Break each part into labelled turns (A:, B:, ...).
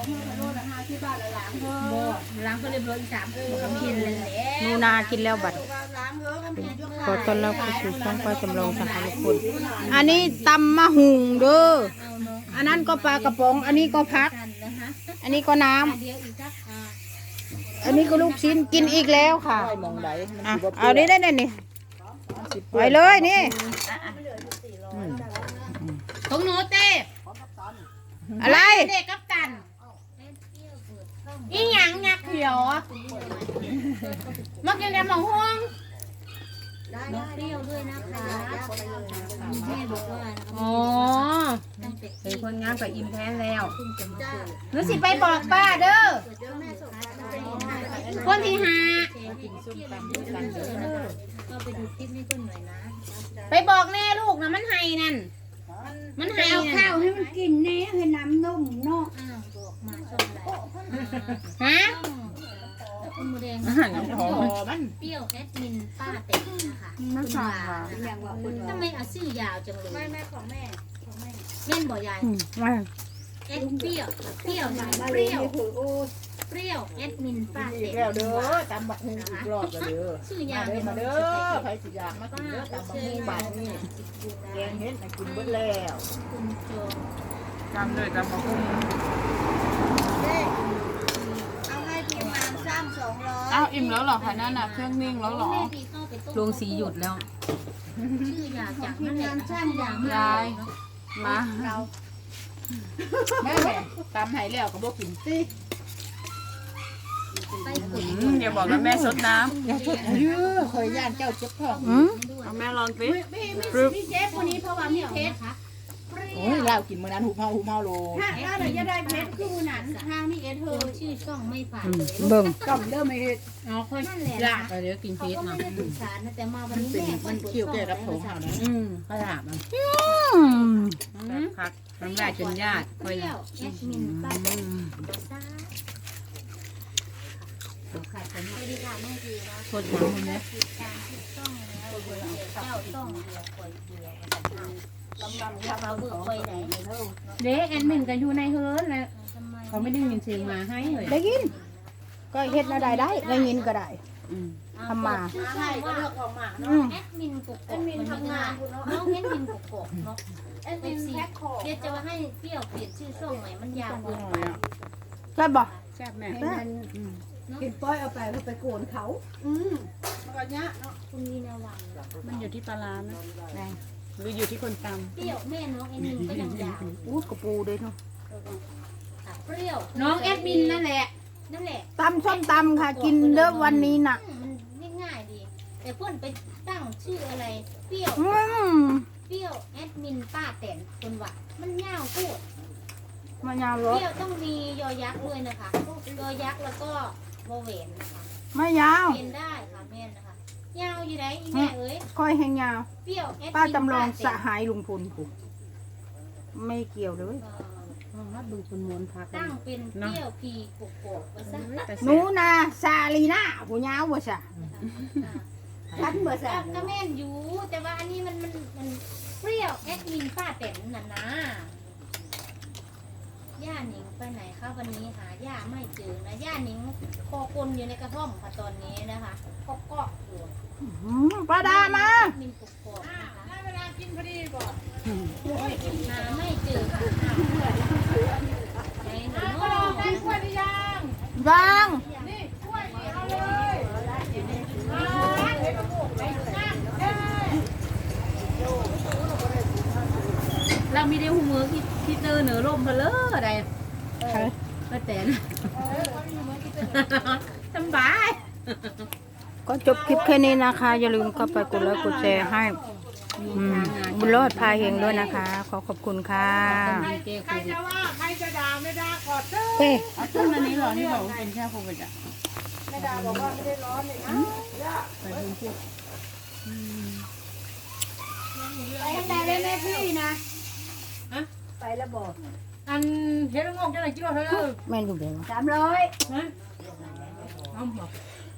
A: ล้างก็เรียบร้อย3ก็กินเลยแหละ
B: นูนากินแล้วบัดขอต้อนรับเข้าสู่ช่องป้าจำลองสหทุกคนอันนี้ตำมะหุงเด้ออันนั้นก็ปลากระป๋องอันนี้ก็พักอันนี้ก็น้ำอันนี้ก็ลูกชิ้นกินอีกแล้วค่ะอ่ะเอาได้นี่ไปเลยนี่
A: ของหนูเต้
B: อะไร
A: เด็กกับตันอีหยังงักเขียวมากินแกงหม่องห่วงเปรี้ยวด้วยนะคะแม่บอกว่าอ๋อเป็นคนงามกับอิมแพนแล้วหนูสิไปบอกป้าเด้อคนที่หาไปบอกแม่ลูกนะมันไห้นั่นมันไห้เอาข้าวให้มันกินแน่ให้น้ำนมเนาะฮะคุณมูแดงมันเปรี้ยวแอดมินป้าเต็มนะคะคุณว่าทำไมเอาชื่อยาวจังเลยแม่ของแม่เม่นบ่ยายแอดเปรี้ยวเปรี้ยวเปรี้ยวเปรี้ยวแอดมินป้าเต็มแล้วเด้อตำบักหุ่งอีกรอบเด้อชื่อยาวมาเด้อใครสิอยากมากินเด้อตำบักหุ่งบาทนี่แกงเห็ดให้กินเบิดแล้วคุณโจจำเลยตำบักหุ่ง
C: อ้าวอิ่มแล้วเหรอคะนั่นน่ะเครื่องนิ่งแล้วเหรอ
A: ลงสีหยุดแล้วชื่อยาวจากนั่นแหละช่างอย่าง
C: ยายมา
B: แม่ตำให้แล้วก็บ่กินสิ
C: อย่าบอกว่าแม่ซดน้
B: อย่าชดเยอะเคยย่านเจ้าเจ็บท้อง
C: ำเอาแม่ลองสิ
A: พี่เจ๊คนนี้เพราะว่ามีเพชร
B: โอ้ยเรากินมื้อนั้นหุบเฮาโล
A: ถ้าเราจะได้เพชรคือมือนั้นทางมีเอเธอชื่อช่องไม่ผ่านเลย
B: เบิ่ง
A: ก็เริ่มไม่อ๋อค่อยลากเดี๋ยวกินเพชรเนาะศึกษานะแต่มาวันนี้แม่มันเกี่ยวกับผมเฮานะก็ถามมันพักน้ำลายจนญาติค่อยแล้วแอดมินป้าซ่าขาดผมไม่ได้ค่ะแม่ดีนะคนหลังคนนี้เจ้าต้องเดียวคอยเดียวเขาเบื่อคอยไหนเด็กแอดมินกันอยู่ในเฮิร์นแล้วเขาไม่ได้ยินเสียงมาให้เลย
B: ได้ยินก็เฮ็ดอะไรได้ยินก็ได้ทำมา
A: ใช่ก็เลือกของหมาเนาะแอดมินกบแอดมินทำงานน้องแอดมินกบเนาะแอดมินแพ็คของเดี๋ยวจะว่าให้เปรี้ยวเปลี่ยนชื่อช่องใหม่มันยาวเกินไป
B: ใช่บ่
C: แซ่บแม่
B: กินป้อยเอาไปโกนเขาก็เนี้ยเนาะ
A: คุณวีนาวัน
C: มันอยู่ที่ปลาร้านะหรืออยู่ที่คนตำ
A: เปรี้ยวแม่น้องแอดมินก็ยังยาว
B: อู้กระปูด้วยเนาะ
A: เปรี้ยวน้องแอดมินนั่นแหละ
B: ตำส้มตำค่ะกินเด้อวันนี้น่ะ
A: มันง่ายๆดีแต่เพื่อนไปตั้งชื่ออะไรเปรี้ยวแอดมินป้าแตนคนว่ามันยาวพูด
B: มายาว
A: เป
B: รถ
A: รี้ยวต้องมียอยักษ์ด้วยนะคะยอยักษ์แล้วก็โมเวนนะคะ
B: ไม่ยาว
A: เป็นได้ค่ะแม่นะคะยาวอยู่ไหนอีแม่เอ้ย
B: ค่อยแห้งยาว
A: เปรี้ยวแอดมิน
B: ป้าจำลองส
A: ป้าแตน
B: หายลุงพลกูไม่เกี่ยวเลย
C: มาดูคนม้วนพัก
A: ตั้งเป็นเปรี้ยวพีกกกว่าซะ
B: หนูนาซาลีน่าผู้ยาวบ่ซะทันบ่ซะ
A: ก็แม่นอยู่แต่ว่าอันนี้มันเปรี้ยวแอดมินป้าแตนน่ะนะย่าหนิงไปไหนคะวันนี้หาย่าไม่เจอนะย่าหนิงคอกลนอยู่ในกระท่อมค่ะตอนนี้นะคะก็เกาะอยู่
B: ปลาดามา
A: แอดมินกกกนะคะได้เวลากินพอดีก่อนหาไม่เจอค่ะไหนหนูโน่ได้กล้วยหรือยัง
B: ยัง
A: นี่กล้วยนี่เอาเลย เรามีได้หูมือที่เจอเหนือร่มเพลออะไรก็แต่นสบาย
B: ก็จบคลิปแค่นี้นะคะ อย่าลืมเข้าไปกดไลค์กดแชร์ให้บุญรอดพาเฮงด้วยนะคะ ขอบคุณค่ะ
A: ใครจะว่าใครจะด่าไม่ด่าขอเถอะ
B: เฮ้
C: เอาต้นอันนี้เหรอที่บอกว่าเป็นแค่โควิดอ่ะ
A: ไม่ด่าบอกว่าไม่ได้ร้อนเลยนะ
C: ไปดูพวก
A: ไปทำได้เลยแม่พี่นะไปแล้วบอกอันเฮ็ดงงจะไหนจิ้วเธอ
B: แม่นอยู่เดี๋ยว
A: 300เอาบอก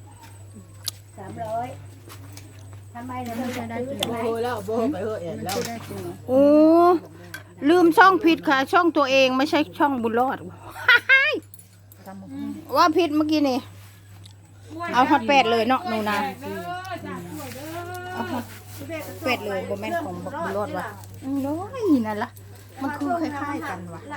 A: 300ทำไมเราจะได้กิน
B: โบแล้วโบไปเถอะแล้ว
C: ได้จริงเหรอ
B: โอ้ลืมช่องผิดค่ะ ช่องตัวเองไม่ใช่ช่องบุญรอดว่าพิษเมื่อกี้นี่เอาฮอตแปดเลยเนาะหนูนาเอาฮอตแปดเลยบ่แม่นของบักบุญรอดว่ะน้อยนั่นล่ะมันคือคล้ายๆกันว่ะ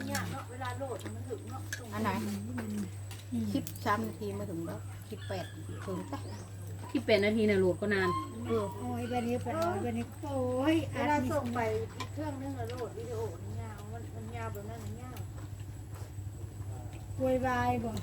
B: อันไหนคลิป3 นาทีมาถึงแล้วคลิป8ถึงจ้ะ
C: ที่เป็นนาทีน่ะโหลดก็นาน
D: โอ้ยแบบนี้เป็นแบบนี้โอ้ยเวลาส่งไปเครื่องนึงแล้วโหลดวิดีโอมันยาวมันยาวแบบนั้นมันยาวโวยวายบ่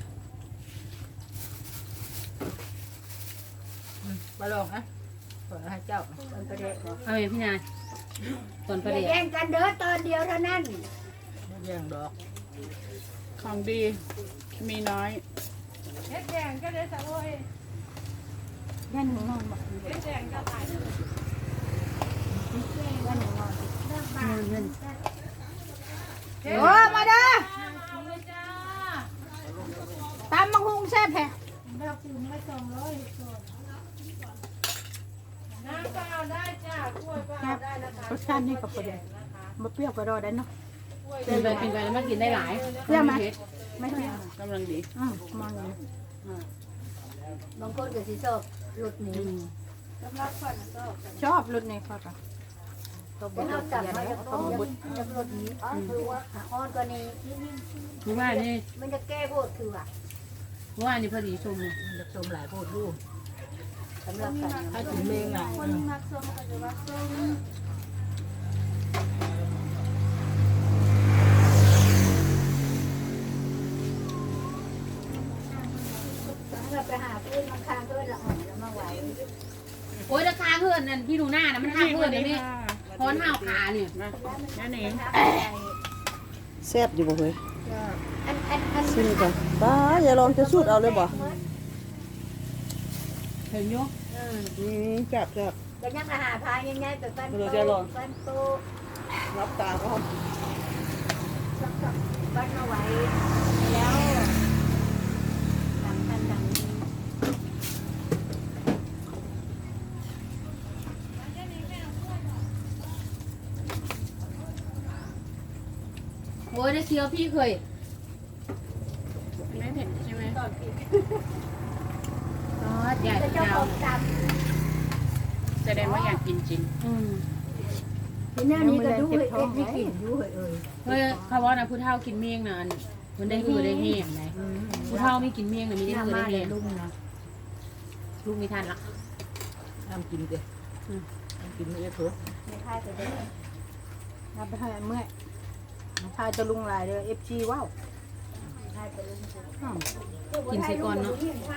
B: มาลองนะเปิดให้เจ้ามันประเด็น
C: เอาไงพี่นายตอนประเดี๋ยว
D: แย่งกันเด้อตอนเดียวเท่านั้น
B: แย่งดอก
E: ของดีมีน้อย
D: เฮ็ดแย่งก็ได้สะโอย
B: แย่งหนูนอนบ่
D: เฮ็ดแย่งก็ตาย
B: แย่งหนูนอนโอ้มาเด้อตามมังหุงแซ่บแท้
D: แบบถึงไม่200ส่วนน้ำก็เอาได้จ้ากล้วยก็เอาได้นะคะ
B: รสชาตินี่กับประเด็นมาเปรี้ยวก็รอได้เนาะ
C: กินไปแล้วมันกินได้หลาย
B: เปรี้ยวไหมไม่เปรี้ยว
E: กำลังดี
B: มันเลย
D: บางคนก็สิชอบรสนี้สำหรับคนก็
B: ชอบรสนี้ค่ะค่ะตัวบ
D: เป็น
B: ด
D: เอา
B: เสี
D: จับ
B: ย
D: มา
B: แล้ว
D: จาก
B: ตัวบด
D: จากรสนี้คือว่าอ่อนกว่านี้
C: คือว่านี่
D: มันจะแก้โบดคือว่า
C: ว่านี่พอดีชมเลย
B: จะชมหลายโพดดู
D: สำหรับกัน
B: ถ้าถึงเมงอ่ะ
D: คนมักส้มก็จะว่าส้มเราไปหาเพื่อนมาค้างเพื่อนละอ่อนแล้วมาไหว
C: โอ้ยราคาเพื่อนนั่นพี่ดูหน้านะมันค่าเพื่อนเดี๋ยวนี้พอนห้าวขาเนี่ย
E: นั่นเอง
F: แซ่บอยู่บ่เฮ้ย
D: อัน
F: ชิมก่อนป้าอย่าลองจะสูดเอาเลยบ่
C: เห็นอยุ
F: จับจับ
D: ก็ยังอาหารพายง่ายๆแต่ฟันโตฟันโต
F: รับตาก็
D: ฟันเอาไว้แล้วทำทันดังนี้
C: โอ้ยได้เคี้ยวพี่เคย
E: ไม่เผ็ดใช่ไหม
C: อ๋อใหญ่
D: จะเจ้าย
C: าว
D: ของจ
E: แสดงว่าอยากกินจริง
C: อืม
D: ำทีนี้นี่ก็ดูเอ็ดวิกินดูเอ้ย
C: เฮ้ยเขาว่านะผู้เฒ่ากินเมี่ยงนะอันมันได้คือได้แห้งไหนผู้เฒ่าไม่กินเมี่ยงนะมีได้คือได้แห้ง
B: ลุงนะ
C: ลูกมีทานละ
B: ทำกินเด้กินไม่ได้เถอะ
D: ไม่ค่ายไปได้
B: รับไปให้เมื่อยชายจะลุงหลายเลย FG ว้าว
D: ค่ายไปเลย
C: กินใส่ก่อนเนาะ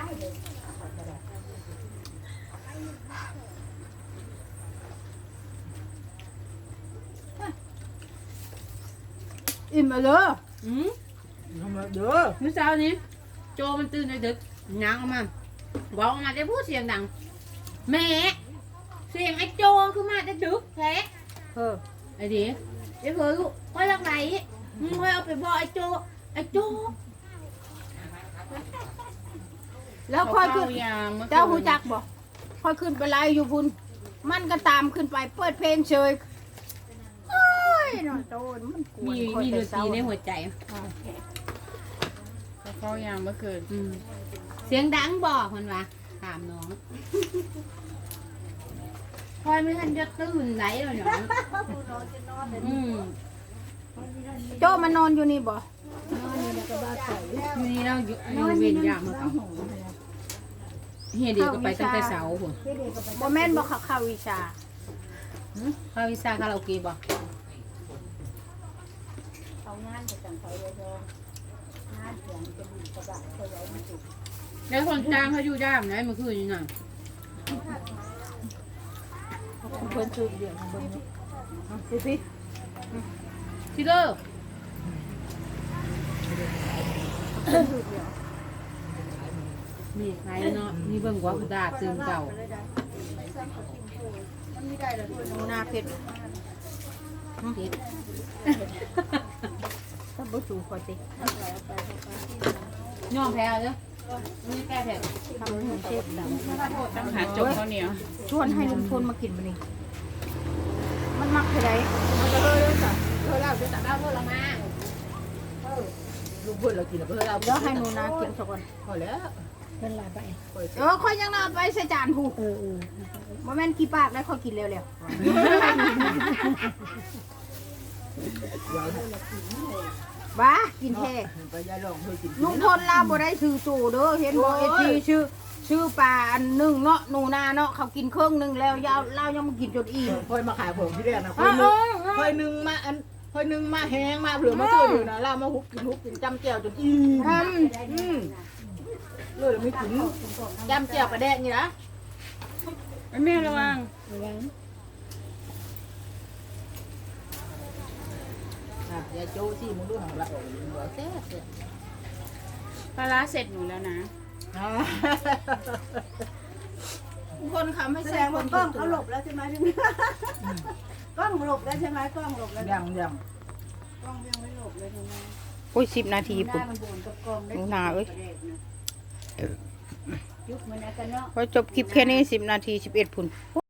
B: อิ่มเลย
C: อืม
B: ทำมาเด้อ
C: เมื่อเช้านี้โจมันตื่นดึกๆง้างออกมาบอกออกมาจะพูดเสียงดังแม่เสียงไอ้โจคือมาจะดึกแท้ ไอ้ดิไอ้เพื่อลูกค่อยรักไหนมึงค่อยเอาไปบอกไอ้โจไอ้โจ
B: แล้วค่อยขึ้น
E: ยางเมื่อคืน
B: เจ้าหูจักบ่ค่อยขึ้นไปไล่อยู่พุ่นมันก็ตามขึ้นไปเปิดเพลงเฉยโอ้ยนอนโตนมันกวน
C: มีดนตรีในหัวใจ
E: เขาเข้ายางเมื่อคืน
C: อืมเสียงดังบอกมันวะถามน้องคอยไม่ทันจะตื่นไหนเลยเนาะอืม
B: โจ้มันนอนอยู่นี่บ่
C: อยู่นี่เราอยู่เวียนยามมาเขาเฮียเดียวก็ไปตั้งแต่เสาร์หัว
B: บ่แม่นบ่เขาเข้าวิชา
C: เข้าวิชาคาราโอเกะบ่
D: เขางานจะจังเขาเลยงานเสียงจะดีกระบะเขาไว้ไม่ถูก
C: แล้วคนจ้างเขาอยู่ย่ามไหนเมื่อคืนนี่น่ะ
B: เพิ่นซื้อเดี๋ยวเบิ่งนี่สิพี่
C: ชิเลอร์นี่ใครเนาะนี่เบิ่งว่าคือดาตื่นเก่า
B: หนูนาเพชร
C: เฮ็ด
B: ถ้าบ่สูงพอติ
C: ย่อมแพ้เด้อนี่แก้แพ้
B: ทำให้เชฟดำ
E: ต้องหาจกข้าวเหนียว
B: ชวนให้ลุงพลมากินบ่นี่มันมักเท่าใดมันก็เลยจ้ะ
C: เธอเล่าจะตัดเล่าเธอละมาลูกเพื่อนเรากินแล้วเพื่อนเรา
B: เดี๋ยวให้หนูนากินสักคน
C: พอแล้ว
D: เป็นไรไป
B: ค่อยยังนาไปใส่จานผูบ่แม่นกี่ปากได้ค่อยกินเร็วๆบ้ากินแท้
C: ไปยายลองเพื่อกิน
B: ลุงพลลาบ่ได้ซื้อโตเด้อเห็นบ่เอทีชื่อปลาอันหนึงเนาะหนูนาเนาะเขากินเครื่องหนึงแล้วยาวเรายังมากินจนอิ่ม
C: คอยมาขายผมที่แรกนะคอยนึงมาอันคอยนึงมาแห้งมาเผื่อมาเจออยู่นะเรามาฮุบกินจำแจ่วจนอิ่มเลยไม่กินจำแจ่วกระแดกนี่นะ
E: แม่ระวัง
C: ยายโจ้ที่มึงดูของเราหัวแซ่บ
E: ปลาร้าเสร็จหนูแล้วนะ
B: คนคำให้
D: แส
B: แซ
D: ด
B: ง
D: ง
B: ค
D: ว่าน กล้องเขาหลบแล้วใช่ไหมพี่กล้องหลบแล้วใช่ไหมกล้องหลบแล้ว
C: ยัง
D: กล้องยังไม่หลบเลยใช่ไหม
B: โอ้ย10 นาที
D: ห
B: พุ่น
D: น้ามันโบนกับกล้องได้
B: หนูนาเอ้ย
D: ยุบมันนะกันเนาะ
B: พอจบคลิปแค่นี้10 นาที 11 พุ่น